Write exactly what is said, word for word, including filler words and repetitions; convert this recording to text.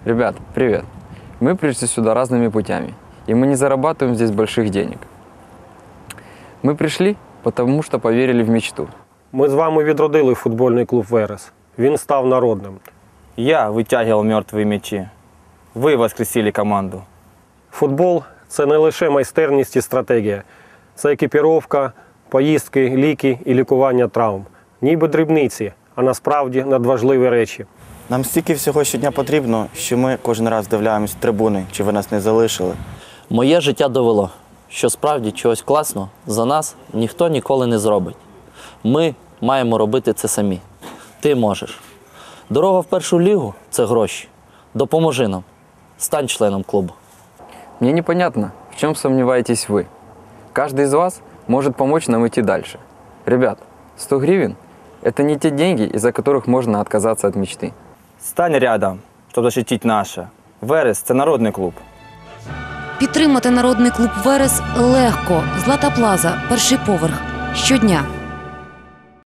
Ребят, привет. Мы пришли сюда разными путями, и мы не зарабатываем здесь больших денег. Мы пришли, потому что поверили в мечту. Ми з вами відродили футбольний клуб «Верес». Він став народним. Я вытягивал мертвые мячи. Вы воскресили команду. Футбол – це не лише майстерність і стратегія. Це екіпіровка, поїздки, ліки і лікування травм. Ніби дрібниці, а насправді надважливі речі. Нам стільки всього щодня потрібно, що ми кожен раз дивляємось в трибуни, чи ви нас не залишили. Моє життя довело, що справді чогось класного за нас ніхто ніколи не зробить. Ми маємо робити це самі. Ти можеш. Дорога в першу лігу – це гроші. Допоможи нам. Стань членом клубу. Мне непонятно, в чем сомневаетесь вы. Каждый из вас может помочь нам идти дальше. Ребят, сто гривен – это не те деньги, из-за которых можно отказаться от мечты. Стань рядом, щоб защитить наше. Верес – це народний клуб. Підтримати народний клуб «Верес» легко. Злата Плаза, перший поверх. Щодня.